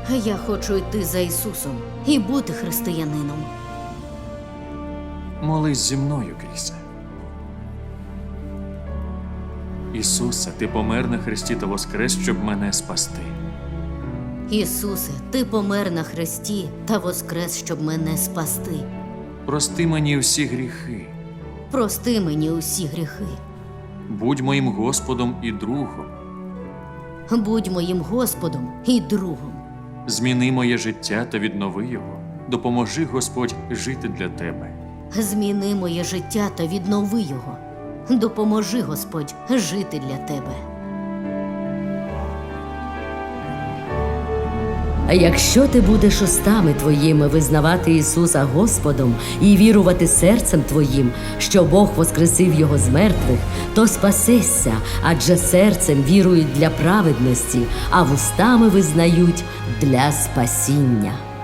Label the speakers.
Speaker 1: Я хочу йти за Ісусом і бути християнином.
Speaker 2: Молись зі мною, Крісе. Ісусе, ти помер на хресті та воскрес, щоб мене спасти.
Speaker 1: Ісусе, ти помер на хресті та воскрес, щоб мене спасти.
Speaker 2: Прости мені всі гріхи.
Speaker 1: Прости мені усі гріхи.
Speaker 2: Будь моїм Господом і другом.
Speaker 1: Будь моїм Господом і другом.
Speaker 2: Зміни моє життя та віднови його. Допоможи, Господь, жити для тебе.
Speaker 1: Зміни моє життя та віднови його. Допоможи, Господь, жити для тебе.
Speaker 3: А якщо ти будеш устами твоїми визнавати Ісуса Господом і вірувати серцем твоїм, що Бог воскресив Його з мертвих, то спасешся, адже серцем вірують для праведності, а вустами визнають для спасіння.